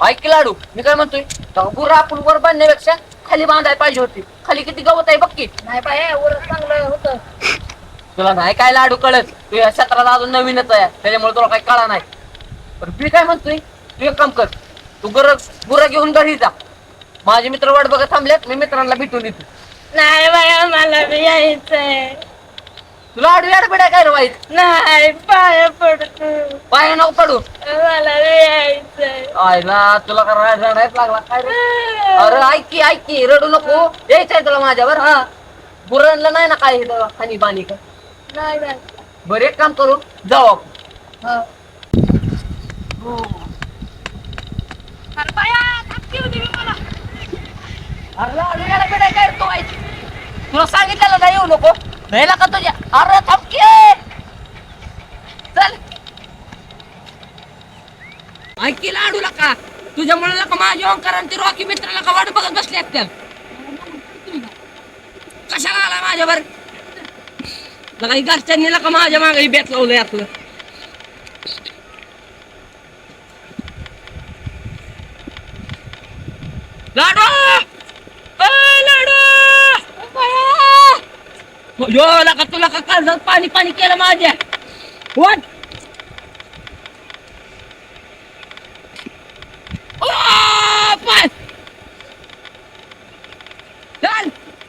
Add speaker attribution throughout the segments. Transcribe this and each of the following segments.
Speaker 1: ऐक की लाडू, मी काय म्हणतोय, बुरा आपण वर बांधण्यापेक्षा खाली बांधायला पाहिजे होती. खाली किती गवत आहे बघ की.
Speaker 2: नाही बाय वर चांगलं होतं.
Speaker 1: तुला नाही काय लाडू कळत, तू या क्षेत्रात अजून नवीनच आहे, त्याच्यामुळे तुला काही कळा नाही. पण मी काय म्हणतोय, तू एक काम कर, तू गुरं घेऊन घरी जा. माझे मित्र वाट बघत थांबलेत, मी मित्रांना भेटून येतो.
Speaker 2: नाही बाया मला बी यायचंय.
Speaker 1: तुला आडवी आडबिडा काय रे वाईट?
Speaker 2: नाही पाया पडतो.
Speaker 1: पाय नको पडू.
Speaker 2: मला बी यायचंय.
Speaker 1: आयला तुला का रडायच लागला काय रे? अरे ऐक की रडू नको, यायचंय तुला माझ्यावर. हा गुरांना नाही ना काय खाली पाणी का?
Speaker 2: नाही नाही.
Speaker 1: बरं एक काम करू, जाऊ आपण.
Speaker 2: हा.
Speaker 1: अरे बाया, धक्की होती मी मला. अरे लाडू आडबिडा काय रे तू वाईट? तुला सांगितलेलं नाही येऊ नको. नाही का तुझ्या? अरे थमकी चल. ऐक की लाडूला का तुझ्यामुळे का माझ्या ओंकार आणि ते रॉकी मित्राला का वाट बघत बसले असत्या. कशाला आला माझ्यावर? लगा ही घरच्यांनी का माझ्या मागे बेत लावलंय आपलं. लाडू लाडू यो लका तुला का काळजात पाणी पाणी केलं माझ्या. वाट पाय चल.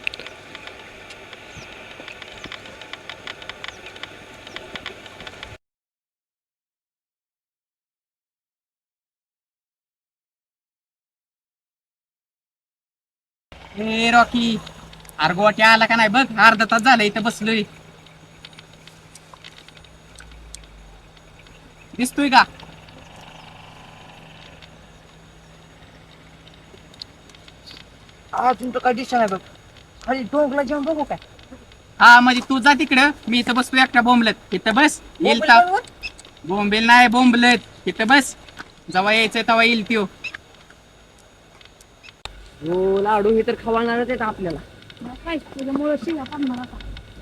Speaker 3: ए रॉकी, अरे गोट्या आला का नाही बघ, अर्धा तास झाला इथं बसलोय. दिसतोय का?
Speaker 1: अजून तर काय दिसत नाही बघ. खाली डोंगला जाऊन बघू काय?
Speaker 3: हा म्हणजे तू जा तिकडं, मी इथं बसतोय एकटा बोंबलत. इथं बस, येईल तर बोंबेल नाही बोंबलत. इथं बस, जेव्हा यायचंय तेव्हा येईल त्यो.
Speaker 1: हो लाडू हे तर खवळणारच आहेत आपल्याला.
Speaker 2: काय तुझ्यामुळे शिव्या पडणार आता.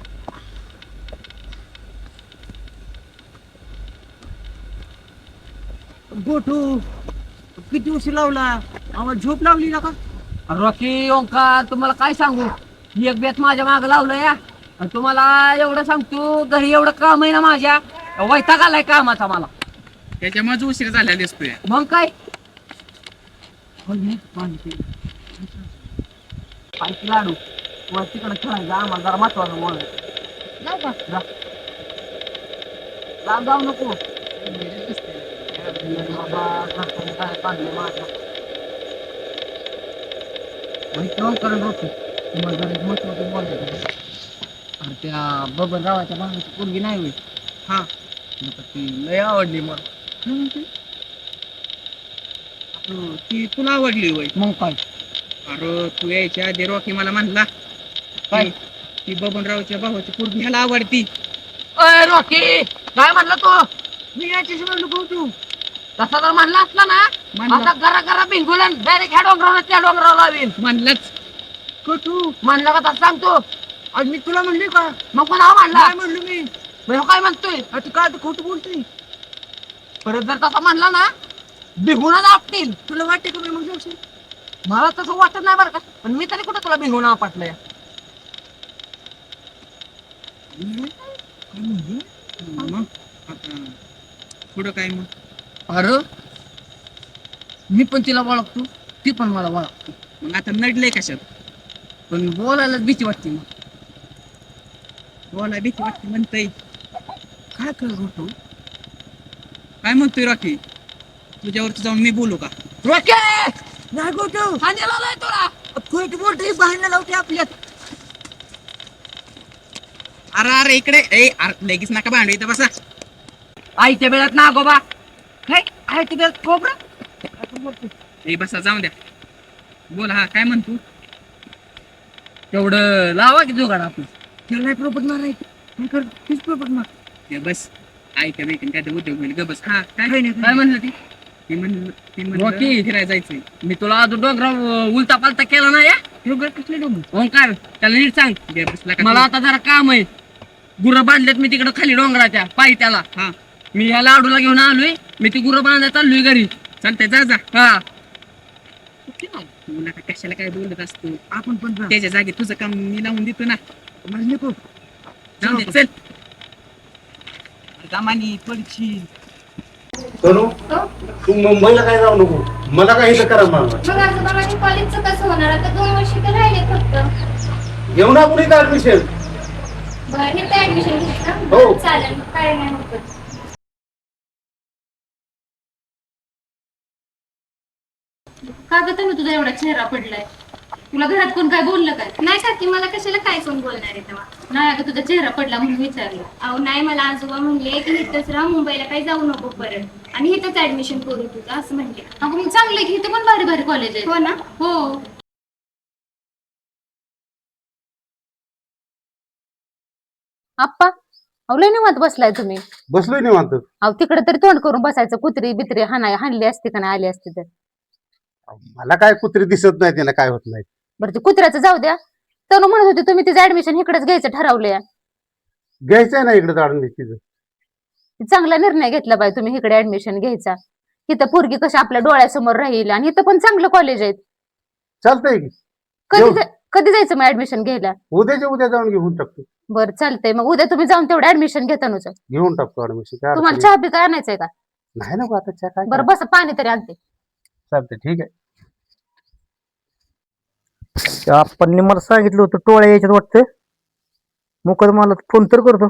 Speaker 1: गोटू किती उशीर लावला, आम्हाला झोप लावली ना का? रॉकी ओंकार तुम्हाला काय सांगू, एक बेत माझ्या माग लावलं या. आणि तुम्हाला एवढं सांगतो, घरी एवढं काम आहे ना माझ्या, वैताग आलाय कामाचा मला.
Speaker 3: त्याच्यामुळेच उशीर झालेला दिसतोय.
Speaker 1: मग काय लाडू वर तिकडे खेळायचं, आम्हाला जरा महत्वाचं बोल.
Speaker 2: जाऊ का?
Speaker 1: जाऊ नको बाबा, घरच्यांनी काय काढलं माझ्या. करून होतो तुम्हाला जरा एक महत्वाचं बोलायचं. आणि त्या बबनरावाच्या भावाची पोरगी नाही होईल.
Speaker 3: हा
Speaker 1: ती लय आवडली मला.
Speaker 3: ती तुला आवडली होय?
Speaker 1: मग काय
Speaker 3: अरे तू यायच्या आधी रॉकी मला म्हणला
Speaker 1: काय?
Speaker 3: ती बबनरावच्या भावाची पोरगी ह्याला आवडती.
Speaker 1: अय रॉकी, काय म्हणलं तू? मी याच्याशी म्हणलो भाऊ तू तसा जर म्हणला असला ना,
Speaker 3: म्हणला.
Speaker 1: आता घरा घरा बिंगुलन डायरेक्ट ह्या डोंगराला त्या डोंगराला लावीन.
Speaker 3: म्हणलंच
Speaker 1: तू म्हणला का तसं सांगतो? आज मी तुला म्हणली का? मग पण हा म्हणला
Speaker 3: म्हणलो मी.
Speaker 1: मग काय म्हणतोय?
Speaker 3: तू काय खोटं बोलतोय?
Speaker 1: परत जर तसा म्हणला ना, बिघूनच आपतील.
Speaker 3: तुला वाटते का मग जाऊ?
Speaker 1: मला तसं वाटत नाही बरं का, पण मी तरी कुठं तुला बिघून आपटलंय.
Speaker 3: मग आता पुढं काय मग?
Speaker 1: अरे मी पण तिला ओळखतो, ती पण मला ओळखतो.
Speaker 3: मग आता नडलंय कशात?
Speaker 1: पण बोलायला भीती वाटते मग.
Speaker 3: बोला भीती वाटते म्हणतय.
Speaker 1: काय करत होतो?
Speaker 3: काय म्हणतोय रॉकी? तुझ्यावरती जाऊन मी बोलू का?
Speaker 1: रोके नाही गोटू खाण्याला नाही तुला खोट बोलतोय, बाहेर लावते आपल्यात.
Speaker 3: अरे अरे इकडे ए, अरे लगेच नका भांडू, इथं बसा.
Speaker 1: आईच्या वेळात ना गोबा हे आईच्या वेळात खोबरं.
Speaker 3: ए बसा, जाऊन द्या. बोल, हा काय म्हणतो?
Speaker 1: तेवढं लावा की जुगाड आपण. त्याला नाही प्रॉपर्ट मारायचं, तीच प्रॉपर्ट मार.
Speaker 3: ते बस ऐका बेकन काय तर उद्योग होईल. ग बस. हा काय
Speaker 1: काय म्हणलं ती?
Speaker 3: ती म्हणलं
Speaker 1: रॉकी.
Speaker 3: फिरायला जायचंय.
Speaker 1: मी तुला अजून डोंगरा उलटा पालता केला ना या डोंगर कसले डोंगर ओंकार, त्याला नीट सांग.
Speaker 3: गे बसला का
Speaker 1: मला आता जरा काम आहे. गुरं बांधलेत मी तिकडे खाली डोंगराच्या पायी त्याला.
Speaker 3: हा
Speaker 1: मी ह्या लाडूला घेऊन आलोय, मी ती गुरं बांधायला चाललोय घरी.
Speaker 3: चालतंय, जा जा.
Speaker 1: हा
Speaker 3: तुला का कशाला काय बोलत असतो
Speaker 1: आपण पण जा.
Speaker 3: त्याच्या जागी तुझं काम मी लावून देतो ना
Speaker 1: मला नको.
Speaker 3: जाऊ दे चल दमानी पडशील
Speaker 4: तनु तू मुंबईला काय जाऊ नको मला काय इथं करा मला
Speaker 2: मग आजोबा माझ्या कॉलेजचं कसं होणार आता 2 वर्ष तर राहिले फक्त
Speaker 4: घेऊ ना कुणी ऍडमिशन
Speaker 2: बरं हे तर ऍडमिशन घेतलं
Speaker 4: हो.
Speaker 2: चालेल काय नाही होत
Speaker 5: का ग तनु तुझा एवढा चेहरा पडलाय तुला घरात कोण काय बोललं काय
Speaker 2: नाही काकी मला कशाला काय कोण बोलणार आहे तेव्हा
Speaker 5: नाही अगं तुझा चेहरा पडला म्हणून विचारलं
Speaker 2: अहो नाही मला आजोबा म्हणले की इथंच राहा मुंबईला काही जाऊ नको परत आणि इथंच ऍडमिशन करू तुझं असं म्हणले
Speaker 5: अगं मग चांगलं आहे की इथे पण भारी भारी कॉलेज आहे
Speaker 2: हो ना
Speaker 5: हो आप्पा अहो लय निवांत बसलाय तुम्ही
Speaker 4: बसलोय निवांत
Speaker 5: अहो तिकडे तरी तोंड करून बसायचं कुत्री बित्री हाणली असती का नाही आली असती तर
Speaker 4: मला काय कुत्री दिसत नाही त्याला काय होत नाही
Speaker 5: बरं ते कुत्र्याचं जाऊ द्या तनु म्हणत होती तुम्ही तिचं ऍडमिशन इकडेच घ्यायचं ठरवलंय
Speaker 4: घ्यायचंय ना इकडे जाणून तिचं
Speaker 5: चांगला निर्णय घेतला पाहिजे तुम्ही इकडे ऍडमिशन घ्यायचा इथं पोरगी कशी आपल्या डोळ्यासमोर राहील आणि इथं पण चांगलं कॉलेज आहे
Speaker 4: चालतंय की
Speaker 5: कधी
Speaker 4: येऊ.
Speaker 5: कधी जायचं मग ऍडमिशन घ्यायला
Speaker 4: उद्याच्या उद्या जाऊन घेऊन टाकतो
Speaker 5: बरं चालतंय मग उद्या तुम्ही जाऊन तेवढं ऍडमिशन घेता नुच
Speaker 4: घेऊन टाकतो ऍडमिशन काय
Speaker 5: तुम्हाला
Speaker 4: अडचण
Speaker 5: चहा बी काय आणायचंय का
Speaker 4: नाही. नाही नको आता चहा काय
Speaker 5: बरं बस पाणी तरी आणते
Speaker 4: चालतंय ठीक आहे
Speaker 6: आपण मला सांगितलं होतं टोळ्या यायच्यात वाटतं मुकदमाला फोन तर करतो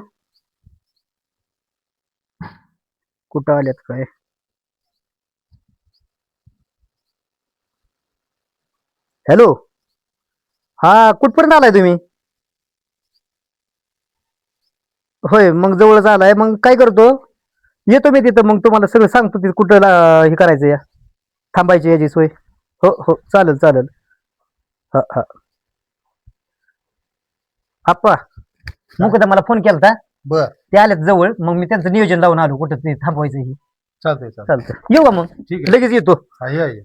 Speaker 6: कुठं आल्यात काय हॅलो हा कुठपर्यंत आलाय तुम्ही होय मग जवळच आलाय मग काय करतो येतो मी तिथं मग तुम्हाला सगळं सांगतो तिथं कुठं हे करायचं या थांबायची याची सोय हो हो चालेल चालेल हा हा आप्पा मुकदा मला फोन केलता
Speaker 4: बर
Speaker 6: ते आलेत जवळ मग मी त्यांचं नियोजन लावून आलो कुठं ते थांबवायचं हे
Speaker 4: चालतंय चालतंय
Speaker 6: चालतं येऊ का मग
Speaker 4: ठीक आहे
Speaker 6: लगेच येतो
Speaker 4: आहे आहे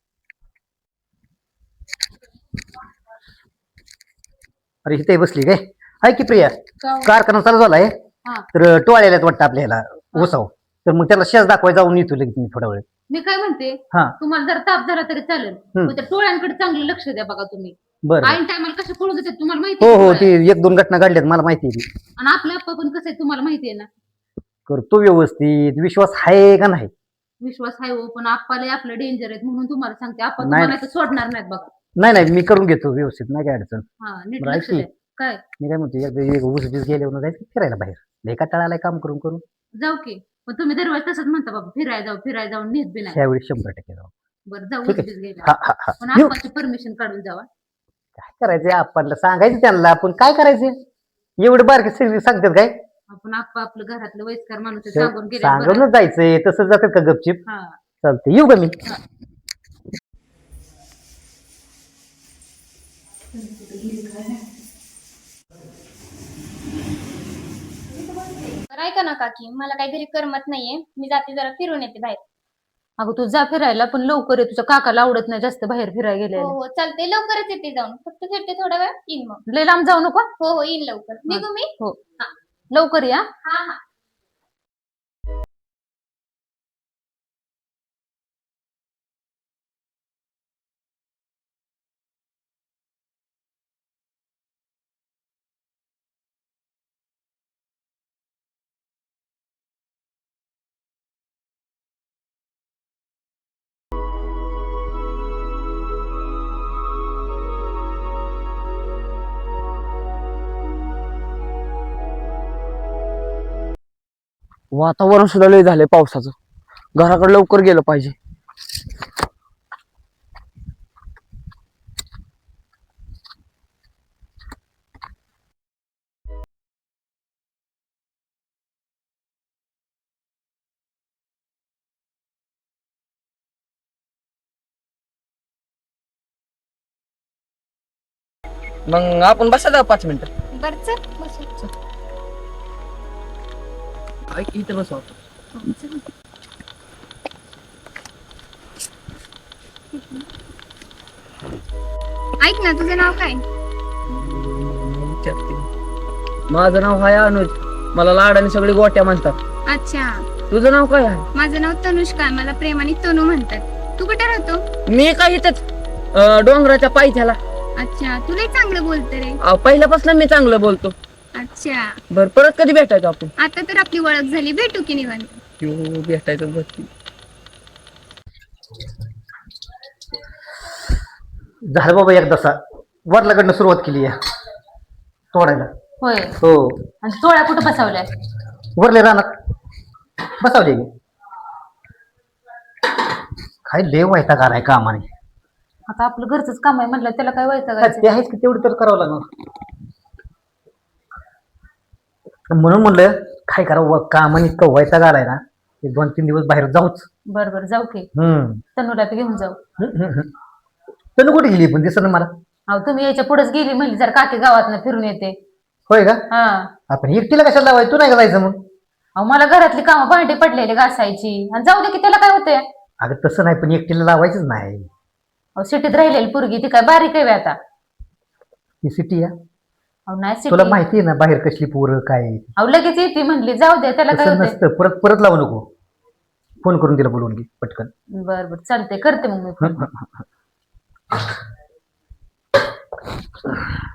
Speaker 6: अरे इथे बसली काय हाय की प्रिया कारखाना चालू झालाय
Speaker 5: हा.
Speaker 6: तर टोळ्याला वाटतं आपल्याला ओसाव तर मग त्याला शेज दाखवाय जाऊन येतो लगेच मी थोडा वेळ
Speaker 5: मी काय म्हणते
Speaker 6: हा
Speaker 5: तुम्हाला जर ताप झाला तरी चालेल
Speaker 6: हम्म.
Speaker 5: पण त्या टोळ्यांकडे चांगलं लक्ष द्या बघा तुम्ही
Speaker 6: बरं
Speaker 5: ऐन टायमाला कशा पळून देतात तुम्हाला माहिती
Speaker 6: हो
Speaker 5: आहे
Speaker 6: हो
Speaker 5: का?
Speaker 6: ती 1-2 घटना घडल्यात मला माहिती आहे ती.
Speaker 5: आणि आपलं आप्पा पण कसं आहे तुम्हाला माहिती आहे ना
Speaker 6: करतो व्यवस्थित विश्वास आहे का नाही
Speaker 5: विश्वास आहे हो पण आप्पाला आपलं डेंजर आहेत म्हणून तुम्हाला सांगते आप्पा
Speaker 6: नाही.
Speaker 5: तुम्हाला इथं सोडणार नाहीत बघा
Speaker 6: नाही नाही मी करून घेतो व्यवस्थित नाही काय अडचण
Speaker 5: हा नीट
Speaker 6: बरं,
Speaker 5: लक्ष
Speaker 6: ऐक
Speaker 5: द्या काय
Speaker 6: मी काय म्हणतो एकदा एक ऊस बीस गेल्यावर जायचं फिरायला बाहेर लय कंटाळा काम करून करून
Speaker 5: जाऊ की पण तुम्ही दरवेळेस तसंच म्हणता बाबा फिराय जाऊन नेत बी नाही
Speaker 6: ह्यावेळी 100% जाऊ
Speaker 5: बरं जाऊ
Speaker 6: ठीक आहे.
Speaker 5: उगीच गेला
Speaker 6: हा हा हा
Speaker 5: पण
Speaker 6: येऊ.
Speaker 5: आप्पाची परमिशन काढून जावा
Speaker 6: काय करायचंय आपल्याला सांगायचं त्यांना आपण काय करायचं एवढे बारके सगळे सांगतात काय
Speaker 5: आपण आप्पा आपलं घरातलं वयस्कर माणूस आहे, सांगून गेले
Speaker 6: सांगूनच जायचंय तसं जातात का गपचिप
Speaker 5: हा
Speaker 6: चालतंय येऊ का मी
Speaker 2: तर ऐका ना काकी मला काही घरी करमत नाहीये मी जाते जरा फिरून येते बाहेर
Speaker 5: अगं तू जा फिरायला पण लवकर आहे तुझ्या काकाला आवडत नाही जास्त बाहेर फिरायला गेले
Speaker 2: हो हो चालते लवकरच येते जाऊन फक्त फिरते थोडा वेळ येईन मग
Speaker 5: लय लांब जाऊ नको
Speaker 2: हो हो येईन लवकर निघू मी
Speaker 5: हो लवकर या
Speaker 2: हा हा
Speaker 7: वातावरण सुद्धा लय झालंय पावसाचं घराकडे लवकर गेलं पाहिजे मग आपण बसा 5 मिनिटं
Speaker 2: बरं चल बसू
Speaker 7: ऐक इथे बसू
Speaker 2: ऐक ना तुझं नाव काय
Speaker 7: माझं नाव आहे अनुज मला लाडाने सगळे गोट्या म्हणतात
Speaker 2: अच्छा
Speaker 7: तुझं नाव काय आहे
Speaker 2: माझं नाव तनुष्का मला प्रेमाने तनू म्हणतात तू कुठे राहतो
Speaker 7: मी काय इथेच डोंगराच्या पायथ्याला.
Speaker 2: अच्छा तुला चांगलं बोलतं रे.
Speaker 7: पहिल्यापासून मी चांगलं बोलतो.
Speaker 2: अच्छा
Speaker 7: बर परत कधी भेटायचो आपण?
Speaker 2: आता तर आपली ओळख झाली, भेटू की निवांत.
Speaker 7: भेटायचं बघ.
Speaker 6: झालं बाबा एकदाचा वरलाकडनं सुरुवात केली आहे तोडायला.
Speaker 5: होय.
Speaker 6: हो
Speaker 5: आणि टोळ्या कुठं बसवल्या?
Speaker 6: वरले रानात बसावले की. काय लय वैताग आलाय कामाने.
Speaker 5: आता आपलं घरचंच काम आहे म्हटलं, त्याला काय वैतागायचं?
Speaker 6: ते आहेच की, तेवढं तर करावं लागणार. म्हणून म्हणलं काय करावं, कामाने इतकं वैताग आलाय ना, 2-3 दिवस बाहेर जाऊच.
Speaker 5: बरं जाऊ की.
Speaker 6: हम्म
Speaker 5: तनुला बी घेऊन जाऊ.
Speaker 6: तनु कुठे गेली पण दिसत मला.
Speaker 5: अहो तुम्ही याच्या पुढेच गेली म्हणजे जर काकी गावात फिरून येते.
Speaker 6: होय का?
Speaker 5: हा.
Speaker 6: आपण एकटीला कशाला लावाय, तू नाही का जायचं मग?
Speaker 5: अहो मला घरातली कामं भांडी पडलेली घासायची, आणि जाऊ दे की त्याला काय होतंय.
Speaker 6: अगं तसं नाही, पण एकटीला लावायचंच नाही.
Speaker 5: अहो सिटीत राहिलेली पोरगी ती काय बारीक आहे बे आता.
Speaker 6: ही सिटी आहे,
Speaker 5: अहो नाही
Speaker 6: तुला
Speaker 5: सिटी.
Speaker 6: माहिती आहे ना बाहेर कसली पोरं काय आहे.
Speaker 5: अहो लगेच येते म्हणली, जाऊ दे त्याला काय
Speaker 6: तसं
Speaker 5: होतंय.
Speaker 6: नसतं, परत परत लावू नको. फोन करून तिला बोलवून घे पटकन.
Speaker 5: बरं चालते, करते मग मी फोन.